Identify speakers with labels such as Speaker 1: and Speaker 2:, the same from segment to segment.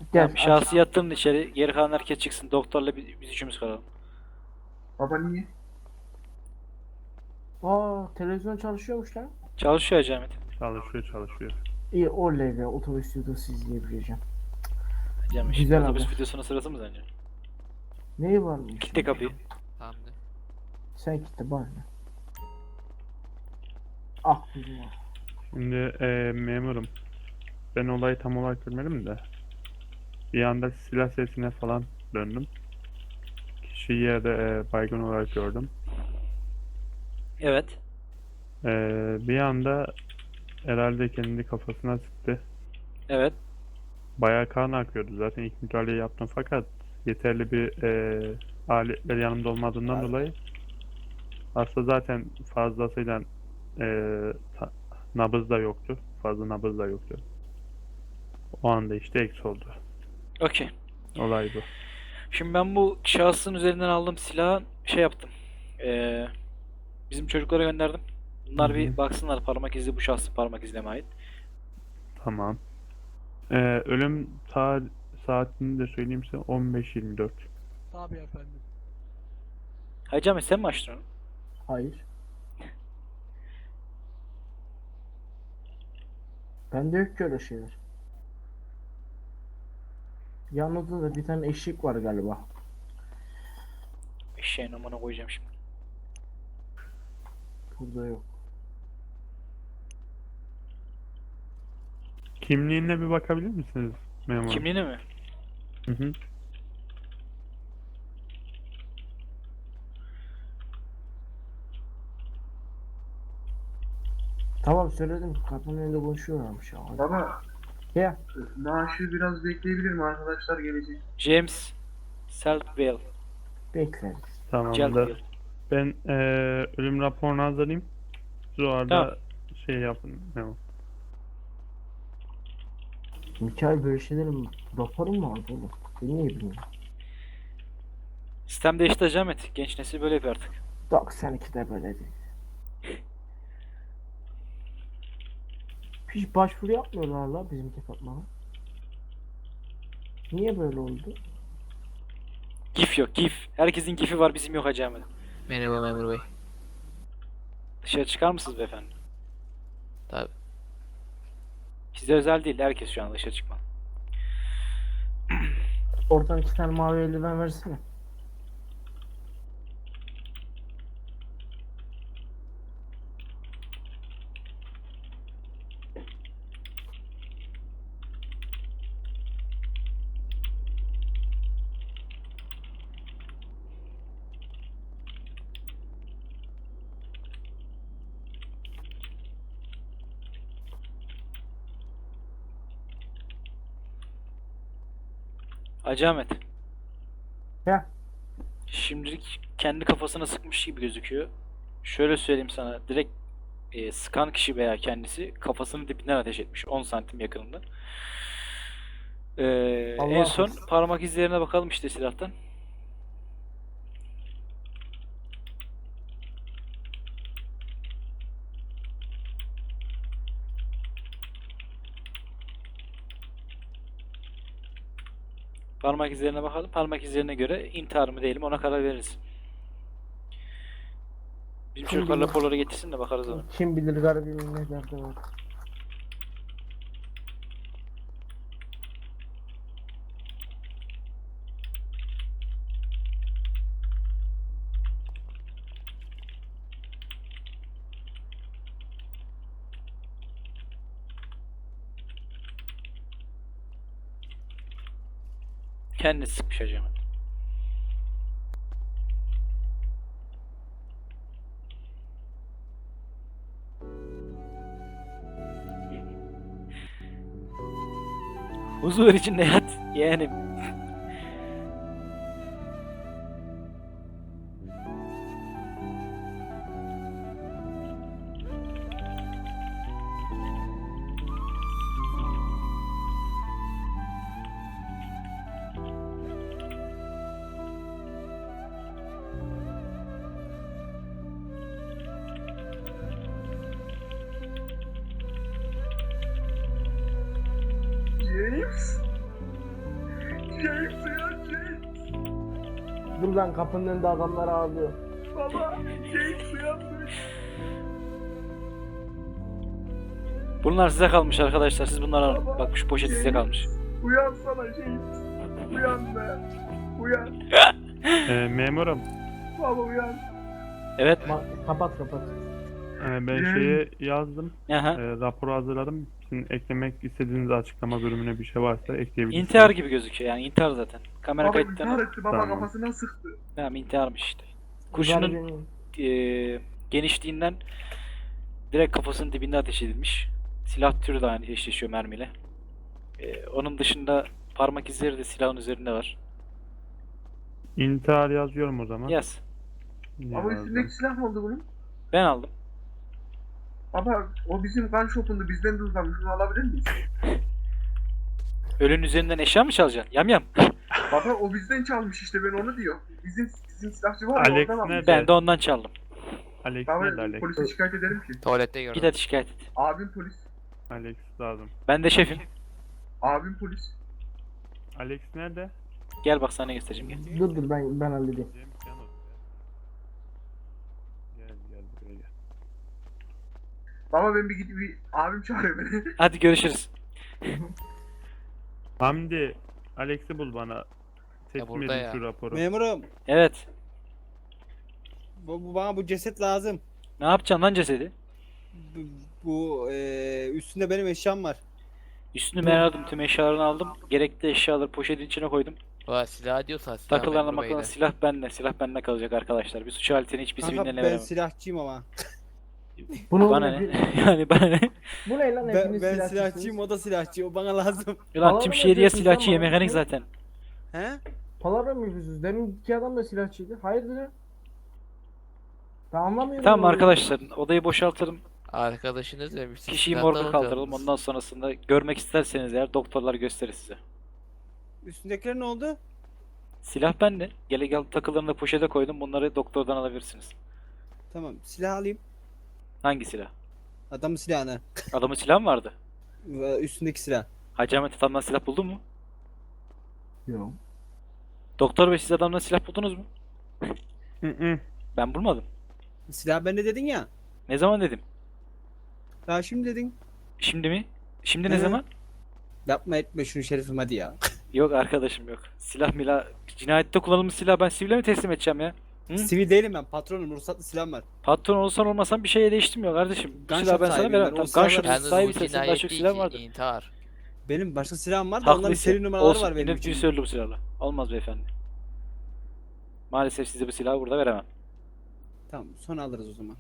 Speaker 1: Gel
Speaker 2: Tamam,
Speaker 1: aç.
Speaker 2: şahsı yatırın içeri. Geri kalan herkes çıksın. Doktorla biz üçümüz kalalım.
Speaker 3: Baba niye?
Speaker 1: Aa, televizyon çalışıyormuş lan.
Speaker 2: Çalışıyor Hacı Ahmet.
Speaker 4: Çalışıyor çalışıyor.
Speaker 1: İyi, oley be, otobüs videosu izleyebileceğim.
Speaker 2: Hacı Ahmet, şimdi
Speaker 1: Güzel
Speaker 2: otobüs
Speaker 1: haber.
Speaker 2: videosunun sırası mı sence?
Speaker 1: Neyi varmış?
Speaker 2: Kitle kapıyı.
Speaker 5: Tamamdır.
Speaker 1: Sen gitti bana ne? Ah kuzum ah.
Speaker 4: Şimdi memurum. Ben olayı tam olarak görmedim de. Bir anda silah sesine falan döndüm. Kişiyi yerde baygın olarak gördüm.
Speaker 2: Evet.
Speaker 4: Bir anda herhalde kendi kafasına sıktı.
Speaker 2: Evet.
Speaker 4: Bayağı kan akıyordu. Zaten ilk müdahaleyi yaptım fakat yeterli bir aletler yanımda olmadığından dolayı aslında zaten fazlasıyla nabız da yoktu. Fazla nabız da yoktu. O anda işte eksi oldu.
Speaker 2: Okey.
Speaker 4: Olay bu.
Speaker 2: Şimdi ben bu şahsın üzerinden aldığım silahı şey yaptım. Ee, Bizim çocuklara gönderdim. Bunlar
Speaker 4: Hı hı.
Speaker 2: bir baksınlar, parmak izi bu şahsın parmak izine mi ait.
Speaker 4: Tamam. Ölüm saatini de söyleyeyim size 15:24.
Speaker 6: Tabii efendim.
Speaker 2: Hacı Ahmet, sen mi açtın onu?
Speaker 1: Hayır. Bende yok ki öyle şeyler. Yanında da bir tane eşik var galiba.
Speaker 2: Eşeğin amına koyacağım şimdi.
Speaker 1: Burada yok.
Speaker 4: Kimliğine bir bakabilir misiniz memur?
Speaker 2: Kimliğini mi?
Speaker 4: Hı hı.
Speaker 1: Tamam söyledim. Kapının önünde konuşuyorlarmış ya.
Speaker 3: Baba
Speaker 1: Ya
Speaker 3: maaşı biraz bekleyebilir mi? Arkadaşlar gelecek.
Speaker 2: James Seltville.
Speaker 1: bekleriz.
Speaker 4: Tamamdır.
Speaker 2: Celtville.
Speaker 4: Ben ölüm raporunu hazırlayayım. Siz o arada
Speaker 2: Tamam.
Speaker 4: şey yapın memur.
Speaker 1: Mikael böyle şeylerin raporu mu vardı oğlum? Ben niye bilmiyorum.
Speaker 2: Sistem değişti Hacı Ahmet. Genç nesil böyle yapıyor artık.
Speaker 1: 92'de böyle değil. Hiç başvuru yapmıyorlar la bizim departmana. Niye böyle oldu?
Speaker 2: GIF yok, GIF. Herkesin GIF'i var, bizim yok Hacı Ahmet.
Speaker 5: Merhaba memur bey.
Speaker 2: Dışarı çıkar mısınız beyefendi?
Speaker 5: Tabii.
Speaker 2: Size özel değil, herkes şu an dışarı çıkmalı.
Speaker 1: Oradan 2 tane mavi eldiven versene.
Speaker 2: Hacı Ahmet.
Speaker 1: Ya
Speaker 2: Şimdilik kendi kafasına sıkmış gibi gözüküyor. Şöyle söyleyeyim sana, direkt sıkan kişi veya kendisi kafasının dibinden ateş etmiş, 10 santim yakınında. En
Speaker 1: Allah
Speaker 2: son
Speaker 1: korusun.
Speaker 2: parmak izlerine bakalım işte silahtan. Parmak izlerine bakalım. Parmak izlerine göre intihar mı değil mi ona karar veririz. Bizim
Speaker 1: Kim
Speaker 2: çocuklar
Speaker 1: bilir?
Speaker 2: raporları getirsin de bakarız ona.
Speaker 1: Kim bilir garibimin ne derdi var.
Speaker 2: Kendisi sıkmış acaba. Huzur içinde yat yeğenim.
Speaker 3: James? James uyan James.
Speaker 1: Dur lan, kapının önünde adamlar ağlıyor.
Speaker 3: Baba James uyanmış.
Speaker 2: Bunlar size kalmış arkadaşlar. Siz bunları alın. Bak şu poşet size kalmış.
Speaker 3: Uyansana James. Uyan be. Uyan.
Speaker 4: Memurum,
Speaker 3: Baba uyan.
Speaker 2: Evet.
Speaker 1: Kapat.
Speaker 4: ben şeyi yazdım.
Speaker 2: Aha.
Speaker 4: Raporu hazırladım. Sizin eklemek istediğiniz açıklama bölümüne bir şey varsa ekleyebilirsiniz.
Speaker 2: İntihar gibi gözüküyor yani intihar zaten. Kamera
Speaker 3: Baba intihar
Speaker 2: kayıtlarına
Speaker 3: etti baba
Speaker 4: Tamam.
Speaker 3: kafasına sıktı.
Speaker 2: tamam intiharmış işte.
Speaker 1: Kurşunun...
Speaker 2: Kurşunun genişliğinden direkt kafasının dibinde ateş edilmiş. Silah türü de aynı eşleşiyor mermiyle. Onun dışında parmak izleri de silahın üzerinde var.
Speaker 4: İntihar yazıyorum o zaman.
Speaker 2: Yaz.
Speaker 3: Baba üstündeki silah ne oldu bunun?
Speaker 2: Ben aldım.
Speaker 3: Baba o bizim gun shop'undu bizden de uzanmış. Bunu alabilir miyiz?
Speaker 2: Ölünün üzerinden eşya mı çalacaksın? Yam.
Speaker 3: Baba o bizden çalmış işte ben onu diyor. Bizim silahçı var ya
Speaker 4: Alex
Speaker 3: oradan almış.
Speaker 4: nerede?
Speaker 2: Ben de ondan çaldım.
Speaker 4: Alex
Speaker 3: Baba
Speaker 4: nerede Alex?
Speaker 3: polise şikayet ederim ki.
Speaker 5: Tuvalette gördüm.
Speaker 2: Git hadi şikayet et.
Speaker 3: Abim polis.
Speaker 4: Alex lazım.
Speaker 2: Ben de şefim.
Speaker 3: Abim polis.
Speaker 4: Alex nerede?
Speaker 2: Gel bak sana ne göstereceğim gel.
Speaker 1: Dur ben halledeyim.
Speaker 4: James Yalnız. Gel buraya gel.
Speaker 3: Baba ben bir gidip bir abim çağırıyor beni.
Speaker 2: Hadi görüşürüz.
Speaker 4: Hamdi, Alex'i bul bana. Teslim
Speaker 5: burada
Speaker 4: edin
Speaker 5: ya.
Speaker 4: şu raporu.
Speaker 6: Memurum,
Speaker 2: Evet.
Speaker 6: bana bu ceset lazım.
Speaker 2: Ne yapacaksın lan cesedi?
Speaker 6: Üstünde benim eşyam var.
Speaker 2: Üstünü ben aldım. Tüm eşyalarını aldım. Gerekli eşyaları poşetin içine koydum.
Speaker 5: Ulan silah diyorsan silah
Speaker 2: Takılarına
Speaker 5: memur
Speaker 2: makarna
Speaker 5: beyde.
Speaker 2: silah bende. Silah bende kalacak arkadaşlar. Bir suç aletini hiçbir
Speaker 6: Kanka
Speaker 2: siviline
Speaker 6: ben
Speaker 2: veremem.
Speaker 6: silahçıyım ama.
Speaker 1: Bunu
Speaker 2: Bana ne? Yani bana ne?
Speaker 1: Bu ne lan,
Speaker 6: Ben,
Speaker 1: hepiniz
Speaker 6: ben
Speaker 1: silahçısınız.
Speaker 6: silahçıyım, o da silahçı. O bana lazım.
Speaker 2: Ulan
Speaker 1: Palavra
Speaker 2: tüm
Speaker 1: mı
Speaker 2: şehriye
Speaker 1: yapıyorsun
Speaker 2: silahçı
Speaker 1: sen
Speaker 2: ya
Speaker 1: bana?
Speaker 2: mekanik zaten.
Speaker 6: He?
Speaker 1: Palavra mı yapıyorsunuz? Demin iki adam da silahçıydı. Hayırdır ya? Ben anlamıyorum.
Speaker 2: Tamam
Speaker 1: bunu.
Speaker 2: arkadaşlar odayı boşaltalım.
Speaker 5: Arkadaşınız demişsin.
Speaker 2: Kişiyi
Speaker 5: silahtan
Speaker 2: morga kaldıralım.
Speaker 5: alacaksınız.
Speaker 2: Ondan sonrasında görmek isterseniz eğer doktorlar gösterir size.
Speaker 6: Üstündekiler ne oldu?
Speaker 2: Silah bende. Gel takılarını da poşete koydum. Bunları doktordan alabilirsiniz.
Speaker 6: Tamam, silah alayım.
Speaker 2: Hangi silah?
Speaker 6: Adamın silahını.
Speaker 2: Adamın silahı mı vardı?
Speaker 6: Üstündeki silah.
Speaker 2: Hacı Ahmet adamdan silah buldun mu?
Speaker 1: Yok.
Speaker 2: Doktor bey siz adamdan silah buldunuz mu?
Speaker 4: Hı.
Speaker 2: Ben bulmadım.
Speaker 6: Silah bende dedin ya.
Speaker 2: Ne zaman dedim?
Speaker 6: Daha şimdi dedin.
Speaker 2: Şimdi mi? Şimdi ne
Speaker 6: Hı.
Speaker 2: zaman?
Speaker 6: Yapma etme şunu şerifim hadi ya.
Speaker 2: Yok arkadaşım yok. Silah milah. Cinayette kullanılmış silah ben sivile mi teslim edeceğim ya? Hı?
Speaker 6: Sivil değilim ben, patronum, ruhsatlı silahım var.
Speaker 2: Patron olsan olmasan bir şeye değiştirmiyor kardeşim. Bu
Speaker 6: Gun
Speaker 2: silahı
Speaker 6: shop
Speaker 2: ben sana
Speaker 6: sahibiyim
Speaker 2: veremem.
Speaker 6: ben, o
Speaker 2: Tamam, gun
Speaker 6: silahları-
Speaker 2: shop
Speaker 5: Yalnız bu
Speaker 2: sahibi sensin. Daha
Speaker 5: cinayet
Speaker 2: çok
Speaker 5: değil
Speaker 2: silah
Speaker 5: ki,
Speaker 2: vardır.
Speaker 5: intihar.
Speaker 6: Benim başka silahım var da onların
Speaker 2: Haklıysa.
Speaker 6: seri numaraları
Speaker 2: Olsun.
Speaker 6: var benim
Speaker 2: Yine
Speaker 6: için.
Speaker 2: söyledi bu silahla. Olmaz beyefendi. Maalesef size bu silahı burada veremem.
Speaker 6: Tamam, sonra alırız o zaman.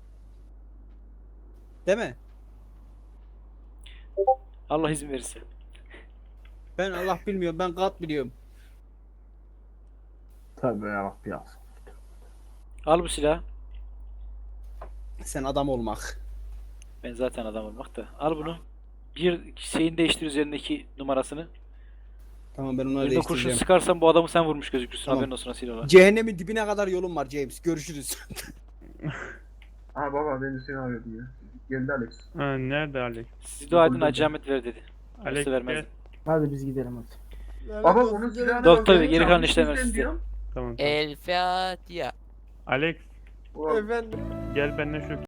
Speaker 6: Değil mi?
Speaker 2: Allah izin verirse.
Speaker 6: Ben Allah bilmiyorum, ben kat biliyorum.
Speaker 1: Tabii ya, biraz.
Speaker 2: Al bu silahı.
Speaker 6: Sen adam olmak.
Speaker 2: Ben zaten adam olmak da. Al bunu. Bir şeyin değiştir üzerindeki numarasını.
Speaker 6: Tamam, ben onları
Speaker 2: Birine kurşun
Speaker 6: değiştireceğim.
Speaker 2: sıkarsan bu adamı sen vurmuş gözükürsün.
Speaker 6: Tamam.
Speaker 2: Haberin olsun silahla.
Speaker 6: Cehennemin dibine kadar yolum var James. Görüşürüz.
Speaker 3: Aa baba ben de seni arıyordum ya. Geldi Alex.
Speaker 4: Ha, nerede Alex?
Speaker 2: Siz dua edin Hacı Ahmet ver dedi.
Speaker 4: Alex
Speaker 2: Yoksa vermez.
Speaker 4: gel.
Speaker 1: Hadi biz gidelim hadi.
Speaker 3: Baba onun silahını
Speaker 2: Doktor
Speaker 3: bak,
Speaker 2: bey,
Speaker 3: ben
Speaker 2: geri kalan
Speaker 3: çalmış
Speaker 2: işlemler
Speaker 3: bizden
Speaker 2: sizde.
Speaker 3: diyorum.
Speaker 4: Tamam.
Speaker 5: El Fatiha.
Speaker 4: Alex
Speaker 3: Ulan
Speaker 6: Efendim.
Speaker 4: gel benimle şu